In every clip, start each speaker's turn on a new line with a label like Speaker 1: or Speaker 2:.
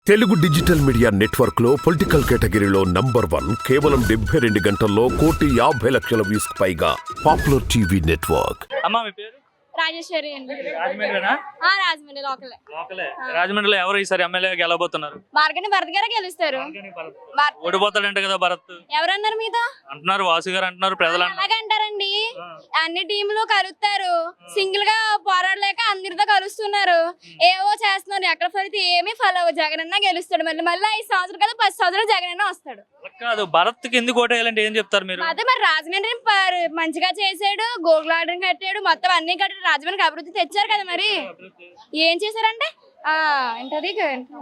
Speaker 1: Telugu digital media network లో political కేటగిరీలో #1 కేవలం 72 గంటల్లో 1,50,00,000 వ్యూస్ పైగా పాపులర్ టీవీ నెట్వర్క్.
Speaker 2: అమ్మా మీ పేరు?
Speaker 3: రాజేశ్వరి అండి.
Speaker 2: రాజమండ్రినా?
Speaker 3: రాజమండ్రి లోకలే.
Speaker 2: రాజమండ్రిలో ఎవరు ఈసారి ఎమ్మెల్యే గెలవబోతున్నారు?
Speaker 3: మార్గని భరత్ గారే గెలుస్తారు.
Speaker 2: ఓడిపోతాడంట కదా భరత్.
Speaker 3: ఎవరన్నారు మీతో?
Speaker 2: అంటున్నారు, వాసు గారు అంటున్నారు, ప్రజలు
Speaker 3: అలాగంటారండి. అన్ని టీంలు కలుస్తారు, సింగిల్ గా పోరాడలేక అందరితో కలుస్తున్నారు, ఏవో చేస్తున్నారు. ఎక్కడ ఫలితే ఏమీ ఫాలో జగన్ అన్న గెలుస్తాడు. మళ్ళీ 5 సంవత్సరాలు కదా 10 సంవత్సరాలు జగన్ అన్న వస్తాడు.
Speaker 2: కాదు, భరత్ కి ఎందుకు ఓటేయాలంటే ఏం చెప్తారు మీరు?
Speaker 3: అదే మరి రాజమండ్రి మంచిగా చేసాడు, గోగుల్ ఆర్డర్ కట్టాడు, మొత్తం అన్ని కట్టాడు, రాజమండ్రికి అభివృద్ధి తెచ్చారు కదా. మరి ఏం చేశారంటే ఏంటది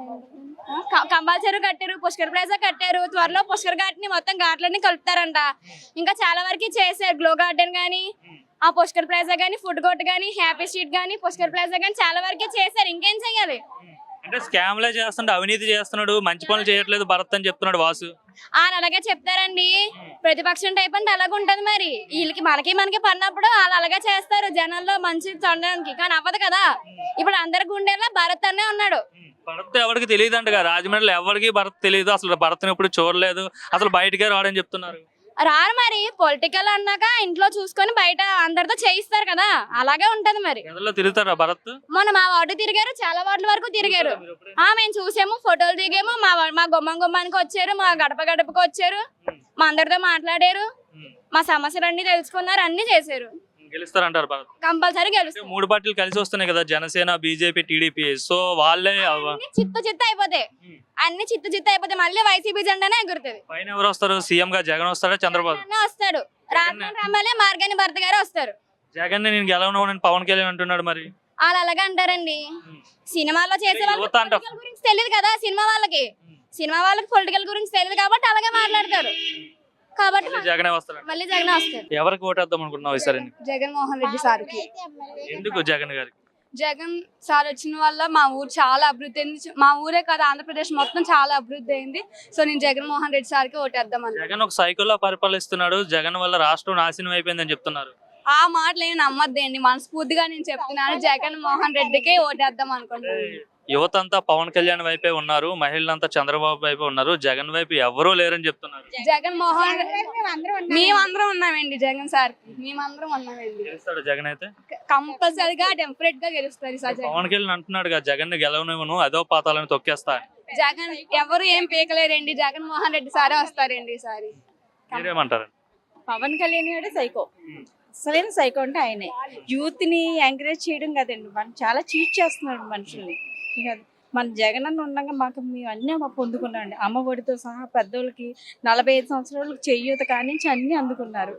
Speaker 3: కంబాల్ చెరువు కట్టారు, పుష్కర్ ప్లాజా కట్టారు, త్వరలో పుష్కర్ ఘాట్ ని మొత్తం ఘాట్లన్నీ కలుపుతారంట. ఇంకా చాలా వరకు చేశారు. గ్లో గార్డెన్ గానీ, ఆ పుష్కర్ ప్లాజా గానీ, ఫుడ్ కోర్ట్ గానీ, హ్యాపీ స్ట్రీట్ గానీ, పుష్కర్ ప్లాజా గానీ చాలా వరకే చేశారు. ఇంకేం చెయ్యాలి?
Speaker 2: అంటే స్కామ్లే చేస్తున్నాడు, అవినీతి చేస్తున్నాడు, మంచి పనులు చేయట్లేదు భరత్ అని చెప్తున్నాడు వాసు.
Speaker 3: అలాగే చెప్తారండి. ప్రతిపక్షం టైప్ అంటే అలాగే ఉంటది. మరి వీళ్ళకి మనకి పడినప్పుడు వాళ్ళు అలాగే చేస్తారు జనాల్లో మంచి చూడడానికి. కానీ అవ్వదు కదా. ఇప్పుడు అందరి గుండెల్లో భరత్ అనే ఉన్నాడు.
Speaker 2: భరత్ ఎవరికి తెలియదు అంటగా, రాజమండ్రిలో ఎవరికి భరత్ తెలియదు, అసలు భరత్ని ఎప్పుడు చూడలేదు, అసలు బయటకే రాడని చెప్తున్నారు.
Speaker 3: రారు మరి. పొలిటికల్ అన్నాక ఇంట్లో చూసుకొని బయట అందరితో చేయిస్తారు కదా, అలాగే ఉంటది. మరి
Speaker 2: తిరుగుతారా భరత్?
Speaker 3: మొన్న మా వార్డు తిరిగారు, చాలా వార్డుల వరకు తిరిగారు. మేము చూసాము, ఫోటోలు దిగాము. మా గుమ్మానికి వచ్చారు, మా గడపకు వచ్చారు, మా అందరితో మాట్లాడారు, మా సమస్యలన్నీ తెలుసుకున్నారు, అన్ని చేశారు.
Speaker 2: గెలుస్తారంటారు భరత్?
Speaker 3: కంపల్సరీ గెలుస్తారు.
Speaker 2: 3 పార్టీలు కలిసి వస్తున్నాయి కదా, జనసేన, బీజేపీ, టీడీపీ. సో వాళ్ళే
Speaker 3: చిత్త అయిపోతాయి. అన్ని చిత్త అయిపోతాయి. మళ్ళీ వైసీపీ జెండానే ఎగురుతుంది.
Speaker 2: పైన ఎవరు వస్తారు? సీఎం గా జగన్ వస్తాడా, చంద్రబాబు
Speaker 3: వస్తాడు? రాజమండ్రి ఎమ్మెల్యే మార్గాని భరత్ గారు వస్తారు.
Speaker 2: జగన్ నేను గెలవను పవన్ కళ్యాణ్ అంటున్నాడు. మరి
Speaker 3: వాళ్ళు అలాగే అంటారండి. సినిమాలో చేసే వాళ్ళకి గురించి తెలియదు కదా. సినిమా వాళ్ళకి పొలిటికల్ గురించి తెలియదు కాబట్టి అలాగే మాట్లాడతారు. కాబట్టి
Speaker 2: జగనే వస్తాడు.
Speaker 3: మళ్ళీ జగన్ వస్తారు.
Speaker 2: ఎవరికి ఓటేద్దాం అనుకుంటున్నావు ఈసారి?
Speaker 3: జగన్మోహన్ రెడ్డి సార్కి.
Speaker 2: ఎందుకు జగన్ గారికి?
Speaker 3: జగన్ సార్ వచ్చిన వల్ల మా ఊరు చాలా అభివృద్ధి అయింది. మా ఊరే కాదు, ఆంధ్రప్రదేశ్ మొత్తం చాలా అభివృద్ధి అయింది. సో నేను జగన్మోహన్ రెడ్డి సార్కి ఓటేద్దాం.
Speaker 2: జగన్ ఒక సైకిల్లో పరిపాలిస్తున్నాడు, జగన్ వల్ల రాష్ట్రం నాశనం అయిపోయిందని చెప్తున్నారు.
Speaker 3: ఆ మాటలు ఏమి నమ్మద్దండి, మనస్ఫూర్తిగా నేను చెప్తున్నాను. జగన్మోహన్ రెడ్డికి ఓటేద్దాం అనుకుంటున్నాను.
Speaker 2: యువత అంతా పవన్ కళ్యాణ్ వైపే ఉన్నారు, మహిళలంతా చంద్రబాబు వైపే ఉన్నారు, జగన్ వైపు ఎవరూ లేరని చెప్తున్నారు.
Speaker 3: జగన్మోహన్ మేమందరం ఉన్నామండి. జగన్ సార్ మేమందరం ఉన్నామండి.
Speaker 2: గెలుస్తాడు జగన్ అయితే?
Speaker 3: కంపల్సరీగా డెఫినెట్ గా గెలుస్తారు.
Speaker 2: పవన్ కళ్యాణ్ అంటున్నాడు జగన్ ని గెలవనివ్వను, అదో పాతాలని తొక్కేస్తా.
Speaker 3: జగన్ ఎవరు ఏం పీకలేరండి, జగన్మోహన్ రెడ్డి సారే వస్తారండి ఈసారి.
Speaker 2: మీరేమంటారు?
Speaker 4: పవన్ కళ్యాణ్ గారు సైకో, అసలైన సైకో అంటే ఆయనే. యూత్ ని ఎంకరేజ్ చేయడం కదండి, మనం చాలా చీట్ చేస్తున్నాడు మనుషుల్ని. మన జగన్ అన్న ఉండగా మాకు మేము అన్నీ పొందుకున్నామండి. అమ్మ ఒడితో సహా పెద్దోళ్ళకి 45 సంవత్సరాలకు చెయ్యూత కానించి అన్ని అందుకున్నారు.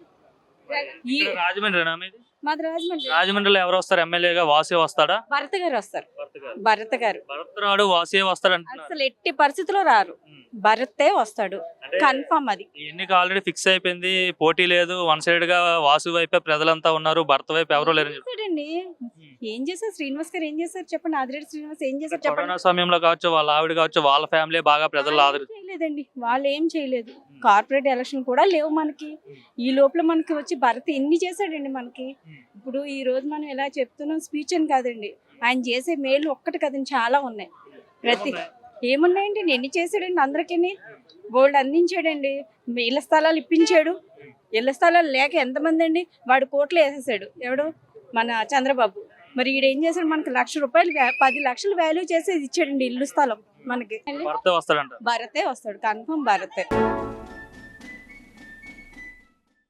Speaker 4: మాది రాజమండ్రి.
Speaker 2: రాజమండ్రిలో ఎవరు వస్తారు ఎమ్మెల్యేగా? వాసే వస్తాడా?
Speaker 4: భరత్ గారు వస్తారు. భరత్ గారు
Speaker 2: రాడు, వాసే వస్తాడు.
Speaker 4: అసలు ఎట్టి పరిస్థితిలో రారు, భరతే వస్తాడు కన్ఫర్మ్. అది
Speaker 2: ఎన్నిక ఆల్రెడీ ఫిక్స్ అయిపోయింది, పోటీ లేదు. 1 సైడ్ గా వాసు వైపే ప్రజలంతా ఉన్నారు, భరత్ వైపు ఎవరో లేరు.
Speaker 4: ఏం చేశారు శ్రీనివాస్ గారు? ఏం చేశారు చెప్పండి? ఆదిరెడ్డి శ్రీనివాస్ ఏం చేశారు చెప్పండి?
Speaker 2: కరోనా సమయంలో కావచ్చు, వాళ్ళ ఆవిడ కావచ్చు, వాళ్ళ ఫ్యామిలీ బాగా ప్రజలు
Speaker 4: చేయలేదండి. వాళ్ళు ఏం చేయలేదు. కార్పొరేట్ ఎలక్షన్ కూడా లేవు మనకి. ఈ లోపల మనకి వచ్చి భరత్ ఎన్ని చేశాడండి మనకి. ఇప్పుడు ఈ రోజు మనం ఎలా చెప్తున్నాం స్పీచ్ అని కాదండి, ఆయన చేసే మేలు ఒక్కటి కదండి, చాలా ఉన్నాయి. ఏమున్నాయండి, ఎన్ని చేశాడండి, అందరికీ బోల్డ్ అందించాడండి. ఇళ్ల స్థలాలు ఇప్పించాడు. ఇళ్ల స్థలాలు లేక ఎంతమంది అండి, వాడు కోట్లు వేసేసాడు. ఎవడు? మన చంద్రబాబు. మరి ఈడేం చేశాడు, మనకి ₹1,00,000 10 లక్షలు వాల్యూ చేసేది ఇచ్చాడండి ఇల్లు స్థలం మనకి.
Speaker 2: భరతే వస్తాడు
Speaker 4: కన్ఫర్మ్ భరతే.